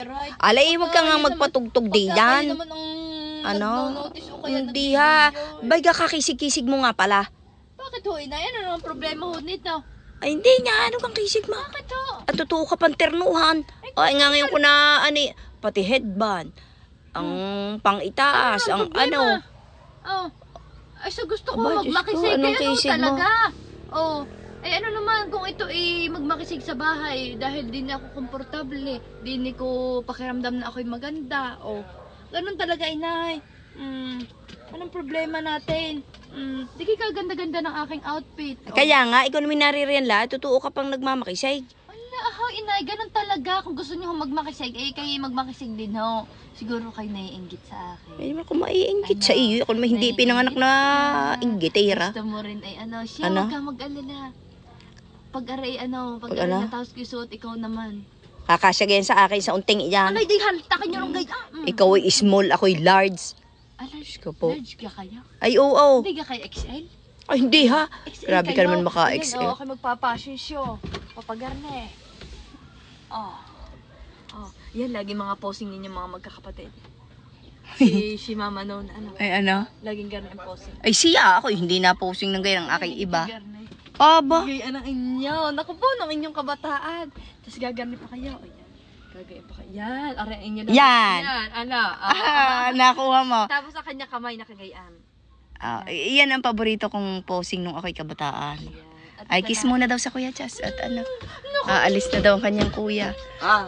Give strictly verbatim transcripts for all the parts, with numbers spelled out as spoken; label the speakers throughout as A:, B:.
A: Right.
B: Alay, wag ka nga
A: Pagka
B: magpatugtog
A: naman-
B: di
A: pagka
B: yan.
A: kayo naman ang
B: Ano?
A: nagno-notice o kaya
B: Hindi
A: nagbibideo,
B: ha.
A: eh.
B: Bay ka kakisig-kisig mo nga pala.
A: Bakit ho, inay? Ano naman problema ho nito?
B: Ay, hindi nga. Ano kang kisig mo?
A: Bakit ho?
B: At totoo ka pang ternuhan. Ay, nga ngayon ko na, ani, pati headband. Ang pang-itaas, ang ano.
A: Oh. Ay, so gusto ko
B: Aba, Diyos ko,
A: magmakisig.
B: anong
A: Kaya ano
B: kisig mo?
A: talaga? Oh. Eh ano naman kung ito ay magmakisig sa bahay dahil di na ako komportable, di ni ko pakiramdam na ako'y maganda. Oh. Ganun talaga, inay. Mm. Anong problema natin? Mm. Di ka ganda-ganda ng aking outfit. Oh.
B: Kaya nga, ikaw naman naririyan la, totoo ka pang nagmamakisig.
A: Wala, ho, inay. Ganun talaga. Kung gusto niyo ho magmakisig, eh kayo magmakisig din ho. Siguro kayo naiinggit sa akin.
B: Ay, naman kung maiinggit
A: Ano?
B: sa iyo. Ako naman hindi
A: Naiinggit
B: pinanganak na
A: ka.
B: inggitera.
A: Gusto mo rin ay ano, siya,
B: Ano?
A: wag ka mag-alala. Pag-aray ano,
B: Pag
A: pag-aray
B: ano?
A: na tapos kisuot, ikaw naman.
B: Kakasya ganyan sa akin sa unting iyan.
A: Alay, di haltakin nyo lang gaya. Mm.
B: Ikaw ay small, ako ay large.
A: Alay,
B: Diyos ko po.
A: large ka kayo?
B: Ay, oo, oo.
A: Hindi ka kayo X L?
B: Ay, hindi ha.
A: X L
B: Grabe ka
A: kayo.
B: naman maka-X
A: Ayan,
B: L.
A: oh, ako magpa-fashion show. Papagarne. Oh. Oh, yan lagi mga posing ninyo mga magkakapatid. Si, si mama noon, ano,
B: Ay, ano?
A: laging gano'n ang posing.
B: Ay, siya ako. Hindi na posing ng ganyan ang aking iba.
A: Gagarne.
B: Aba.
A: Gayaan ang inyo. Naku po, ng inyong kabataan. Tapos gagarne pa kayo. O yan. Gagayin pa kayo. Yan. Aray ang inyo. na-
B: Yan.
A: Yan. Ano? Ah,
B: Ah, nakuha mo.
A: Tapos sa kanya kamay nakagayaan.
B: Ah, iyan ang paborito kong posing nung ako'y kabataan.
A: Yan. At
B: Ay, kiss muna daw sa Kuya Chas. At ano, aalis na daw ang kanyang kuya.
C: Ah.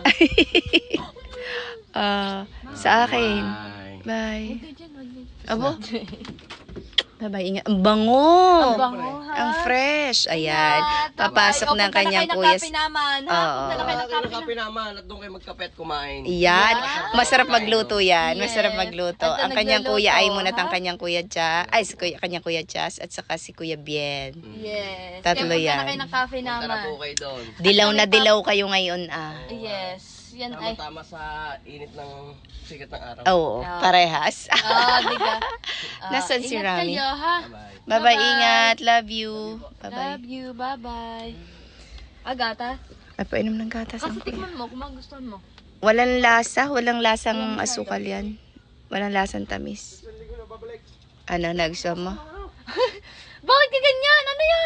B: Ah, sa akin.
C: Bye.
B: Bye.
A: Huwag dyan, huwag dyan.
B: Abo. Bye-bye. Ingat. Ang bango.
A: Ang bango, ha?
B: Ang fresh. Ayan.
A: Ingat.
B: Papasok
A: Bye-bye.
B: ng
A: O, punta
B: kanyang
A: kayo ng
B: kuya.
A: kape naman, ha?
B: Oo.
A: Punta na kayo ng
C: Kayo
A: kape
C: ng kape naman at doon kayo magkape at kumain.
B: Yan.
A: Yeah.
B: Masarap magluto yan.
A: Yes.
B: Masarap magluto.
A: At
B: Ang kanyang
A: nagluluto,
B: kuya ay muna
A: ha?
B: ang kanyang kuya Chas. Ay, si kuya, kanyang kuya Chas at saka si Kuya Bien.
A: Yes.
B: Tatlo
A: Kaya punta
B: yan.
A: na kayo ng kape
C: Punta na
A: naman.
C: po kayo doon.
B: Dilaw na dilaw kayo ngayon ah.
A: Yes. Yan ay.
C: Tama-tama sa init ng sikat ng araw.
B: Oo, parehas.
A: Ah, di ba? Ah,
B: Nasaan si
A: ingat
B: Rami?
A: kayo, ha?
C: Bye-bye.
B: Bye-bye,
A: Bye-bye.
B: ingat. Love you. Bye-bye.
A: Love you. Bye-bye. Agata?
B: Ay, painom ng gatas ang
A: Kasi
B: kuya.
A: tikman mo kung magustuhan mo.
B: Walang lasa, walang lasang asukal yan. Walang lasang tamis. Ano, nagustuhan mo?
A: Bakit ka ganyan? Ano yan?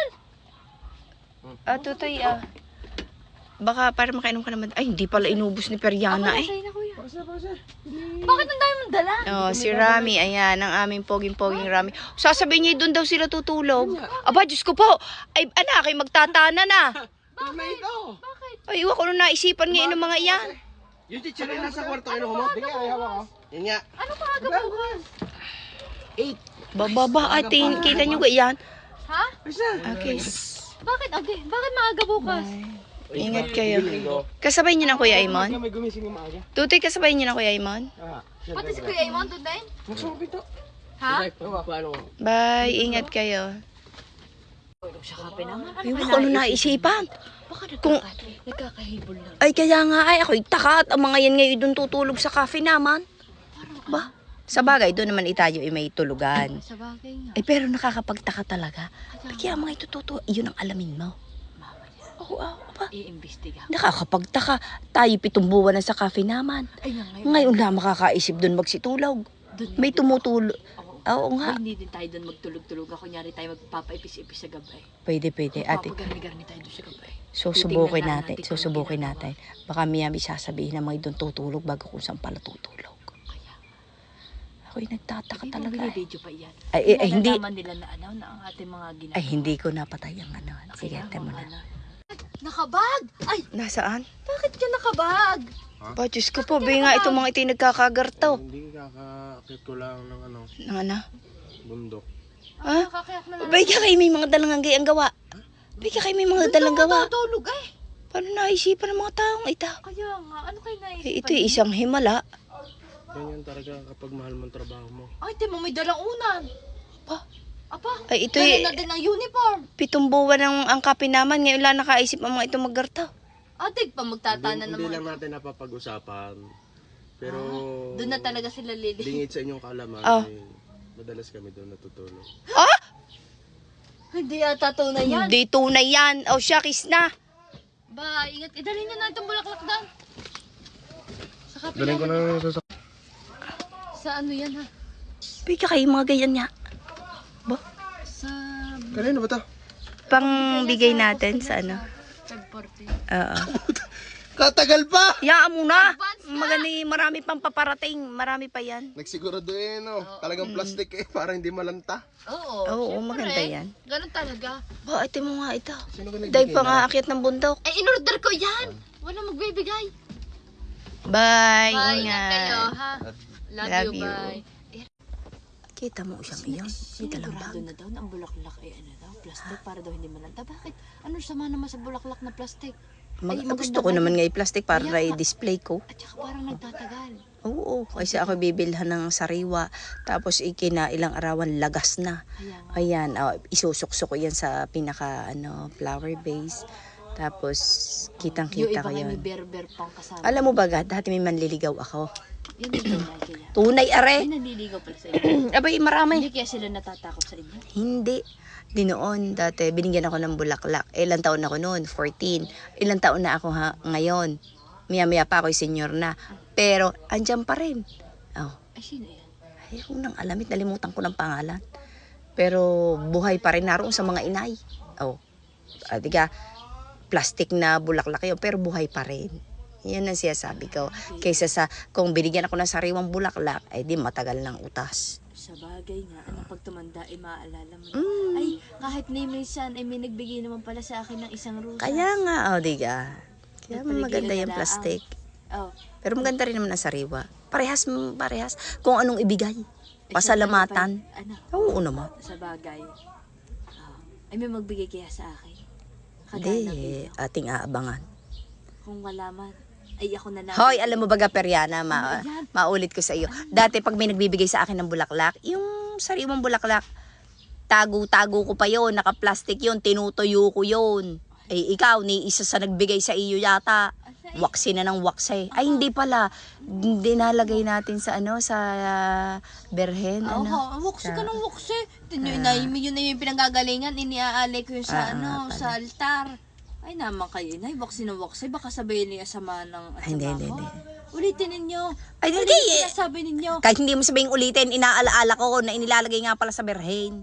B: Ah, tutoy ah. Baka para makainom ka naman. Ay, hindi pala inubos ni Periana eh.
A: Sa'yo na, kuya. Bakit ang dami mong dala?
B: Oh, si Rami, ayan, ang aming poging-poging Rami. Sasabihin niya, doon daw sila tutulog. Aba, Diyos ko po. Ay, anak, ay magtatana na.
C: Tama ito.
A: Bakit?
B: Ay, iwan ko na naisipan ngayon ng mga iyan.
C: Yung teacher ay nasa kwarto kayo mo. Hindi nga, ayaw ako. Yun nga.
A: Ano pa aga bukas?
C: Eight.
B: Bababa, atin, kita niyo ko iyan.
A: Ha?
C: Isa.
B: Okay.
A: Bakit? Okay. Bakit maaga bukas?
B: Ingat kayo. Kasabay niyo na Kuya Aimon?
C: May gumising ng maaga.
B: Tutoy, kasabay niyo na Kuya Aimon?
C: Ah.
A: Pati si Kuya Imon doon din?
C: Nagsumpit to.
A: Ha?
C: Paano?
B: Bye, ingat kayo.
A: Siya kape naman.
B: Ay, wala ko ano naisipan.
A: Baka
B: Kung-
A: nagkaka- nagkakahibol lang.
B: Ay, kaya nga ay, ako'y taka at ang mga yan ngayon doon tutulog sa cafe naman. Ba? Sa bagay, doon naman itayo ay may tulugan.
A: Sa bagay nga.
B: Ay, pero nakakapagtaka talaga.
A: Kaya
B: Kaya mga itututo, yun ang alamin mo.
A: mamaya.
B: Oo, oh, ba?
A: I-imbestiga.
B: Nakakapagtaka. Tayo pitong buwan na sa cafe naman.
A: Ay, nga ngayon.
B: Ngayon na makakaisip doon magsitulog.
A: Doon
B: May
A: din-
B: tumutulog.
A: Oo.
B: Oo nga.
A: Ay, hindi din tayo doon magtulog-tulog. Kunyari tayo magpapaipis-ipis sa gabi.
B: Pwede, pwede. Ate,
A: Magpapagarni-garni tayo doon sa gabi.
B: susubukin
A: Titingnan lang
B: natin.
A: natin kung
B: Susubukin
A: ginagawa.
B: natin. Baka miyami sasabihin na may doon tutulog bago kung saan pala tutulog.
A: Kaya,
B: Ako'y nagtataka
A: hindi mo
B: talaga. eh.
A: binibidyo pa yan.
B: Ay, eh, ay, hindi.
A: Nalalaman nila na ano, na ang ating mga ginagawa.
B: Ay, hindi ko napatay ang ano. Sige,
A: Kaya,
B: ate mo na.
A: ano. Nakabag! Ay,
B: Nasaan?
A: bakit ka nakabag?
B: Ba, Diyos ko po, bay nga itong mga iti nagkakagartaw.
C: Hindi kakakit ko lang ng ano,
B: Nang ano?
C: bundok.
B: Ha?
A: Nakakayak na lang.
B: Bay ka kayo may mga dalang ang gawa. Bay ka kayo may mga dalang gawa.
A: Matutulog eh.
B: Paano naisipan ng mga taong ita?
A: Kaya nga, ano kayo naisip?
B: Eh, ito isang himala.
C: Ganyan talaga kapag mahal mo ang trabaho mo.
A: Ay, di mo may dalang unan.
B: Pa?
A: Apa?
B: Ay, ito
A: Ganun
B: eh,
A: na din ang uniform.
B: pitong buwan ang, ang kape naman. Ngayon lang nakaisip ang mga itong maggartaw.
A: Atig pa magtatana
C: Hindi, hindi
A: naman.
C: lang natin napapag-usapan. Pero
A: Doon na talaga sila lili.
C: lingid sa inyong kaalaman,
B: Ah.
C: eh, madalas kami doon natutulog.
A: Hindi ata tunay yan.
B: Hindi tunay yan. O siya, kiss na.
A: Ba, ingat. Idalhin nyo na itong bulaklak doon. Sa Saka
C: Dalhin ko na yung sasakyan.
A: sa ano yan ha?
B: Pika kayo mga ganyan niya. Ba?
A: Sa...
C: Kanino ba to?
B: Pang bigay natin sa ano.
A: five forty.
B: Oo.
C: Katagal pa!
B: Yaan mo na.
A: Advance na.
B: Magani, marami pang paparating. Marami pa yan.
C: Nagsigurado eh, no? Talagang plastic eh, para hindi malanta.
A: Oo.
B: Oo,
A: syempre.
B: maganda yan.
A: Ganun talaga.
B: Ba, ito mo nga ito.
C: Sino ka nagbigay
B: Dahil pa
C: na?
B: nga akyat ng bundok.
A: Eh, in-order ko yan. Wala magbibigay.
B: Bye.
A: Bye, ingat
B: Ingat.
A: kayo ha. Love,
B: Love
A: you,
B: you.
A: bye.
B: Kita mo siyang iyon. May dalang bag.
A: Sigurado na daw na ang bulaklak ay ano daw, plastic para daw hindi malanta. Bakit? Ano sama naman sa bulaklak na plastic?
B: Mag
A: Ay,
B: gusto
A: maganda
B: ko
A: ba
B: naman
A: yun?
B: nga i-plastic para
A: Kaya nga.
B: i-display ko.
A: At saka parang nagtatagal.
B: Oo, kasi ako bibilhan ng sariwa. Tapos ikina ilang arawan lagas na.
A: Kaya nga.
B: Ayan, oh, isusuksok ko yan sa pinaka ano, flower base. Tapos
A: Yung
B: kitang-kita
A: iba
B: ko
A: kayo
B: yun.
A: may berber pang kasama.
B: Alam mo ba, dati may manliligaw ako.
A: Yun yung tunay kaya.
B: Tunay are.
A: Ay, naliligaw pala sa inyo.
B: Abay, marami.
A: Hindi kaya sila natatakot sa inyo.
B: Hindi. Di noon, dati, binigyan ako ng bulaklak. Eh, ilang taon ako noon? fourteen. Ilang taon na ako ha, ngayon. Maya-maya pa ako'y senior na. Pero, andyan pa rin. Oh.
A: Ay, sino yan?
B: Ay, ako nang alamit, nalimutan ko ng pangalan. Pero, buhay pa rin naroon sa mga inay. Oh. Ah, diga, plastic na bulaklak yun, pero buhay pa rin. Yan ang sinasabi ko. Kaysa sa, kung binigyan ako ng sariwang bulaklak, ay di matagal ng utas.
A: Sa bagay nga, ano pag tumanda ay maaalala mo na.
B: Mm.
A: Ay, kahit ni minsan ay may nagbigay naman pala sa akin ng isang rosas.
B: Kaya nga, oh, diga. Kaya
A: Nagpaligay
B: maganda
A: na
B: yung
A: daan.
B: plastic.
A: Oh.
B: Pero maganda rin naman ang sariwa. Parehas, parehas. Kung anong ibigay.
A: Eh,
B: Pasalamatan.
A: syempre, Ano?
B: Oo naman.
A: Sa bagay. Oh. Ay, may magbigay kaya sa akin. Kagaya ng
B: Hindi,
A: ito.
B: ating aabangan.
A: Kung wala man, ay ako na lang.
B: Hoy, alam mo ba, Periana, ma
A: Ano yan?
B: maulit ko sa iyo. Dati pag may nagbibigay sa akin ng bulaklak, yung sariwang bulaklak, tago-tago ko pa yon, naka-plastic yon, tinutuyo ko yon. Eh, ikaw, ni isa sa nagbigay sa iyo yata. Waksi na ng waksi. Ay, hindi pala. Dinalagay natin sa ano, sa uh, berhen.
A: Oo,
B: ano?
A: wuksi ka
B: Sa-
A: ng wuksi. Tinyo, na, yun na yung pinanggagalingan, iniaalay ko yun
B: Ah,
A: sa, ano,
B: pala.
A: sa altar. Ay naman kayo, inay, waksi ng waksi. Baka sabihin niya sama ng
B: Ay, hindi, hindi,
A: ko.
B: hindi.
A: Ulitin ninyo.
B: Ay,
A: Ano
B: hindi,
A: yung
B: eh.
A: sinasabi ninyo?
B: Kahit hindi mo sabihin ulitin, inaalaala ko na inilalagay nga pala sa berhen.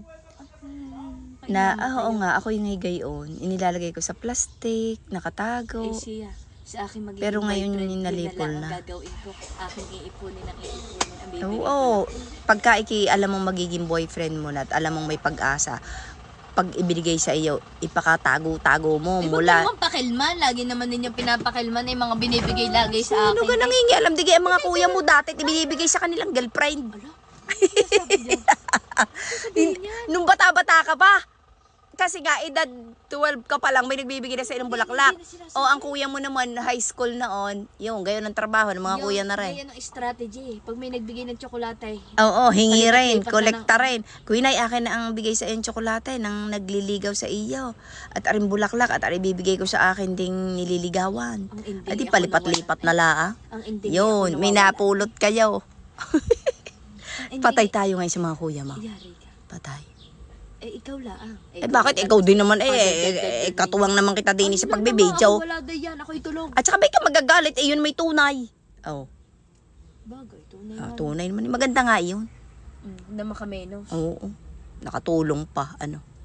A: Hmm, kayo
B: Na,
A: naman
B: ah, oo
A: kayo.
B: nga, ako yung higayon. Inilalagay ko sa plastic, nakatago.
A: Eh siya, sa akin magiging
B: Pero ngayon
A: boyfriend,
B: yung
A: yun
B: nalipol
A: lang ang
B: na.
A: gagawin ko. Aking iipunin ang iipunin ang bibigyan
B: Oo,
A: ko.
B: oo. Pagka iki, alam mong magiging boyfriend mo na at alam mong may pag-asa, pag ibinigay sa iyo, ipakatago-tago mo
A: Ay, wag
B: mula...
A: naman pakilman. Lagi naman ninyo pinapakilman ay mga binibigay lagi sa
B: Ano
A: akin.
B: ka nangingialam? Di kaya mga kuya mo dati, ibinibigay sa kanilang girlfriend.
A: Ala, ano sabi niyo? Sabihin niya.
B: Nung bata-bata ka pa. Kasi nga, edad twelve ka pa lang, may nagbibigay na sa inong bulaklak.
A: Hindi na sinasabi.
B: O, ang kuya mo naman, high school noon, yung, gayon ang trabaho ng mga
A: Yung-
B: kuya na rin.
A: Yan ang strategy. Pag may nagbigay ng tsokolate,
B: Oo, hingi
A: Palipat-lipat
B: rin,
A: na
B: kolekta
A: ng-
B: rin. Kuinay, akin na ang bigay sa iyong tsokolate nang nagliligaw sa iyo. At aring bulaklak, at aring bibigay ko sa akin ding nililigawan.
A: ang hindi
B: At di
A: ako
B: palipat-lipat na
A: nawala.
B: laang.
A: Ang hindi
B: Yun,
A: ako
B: may
A: nawawala.
B: napulot kayo.
A: Ang hindi-
B: Patay tayo ngayon sa mga kuya mo.
A: Yari ka.
B: Patay.
A: Eh, ikaw lang.
B: Eh bakit? Ikaw din naman eh. eh, eh, Katuwang naman kita din sa pagbibidyo.
A: Wala daw yan. Ako'y tulog.
B: At saka ba ka magagalit? Eh yun may tunay. Oh,
A: Bagay, tunay
B: ah,
A: nga.
B: tunay naman. Maganda nga yun.
A: Mm, na makamenos.
B: Oo. Nakatulong pa. Ano.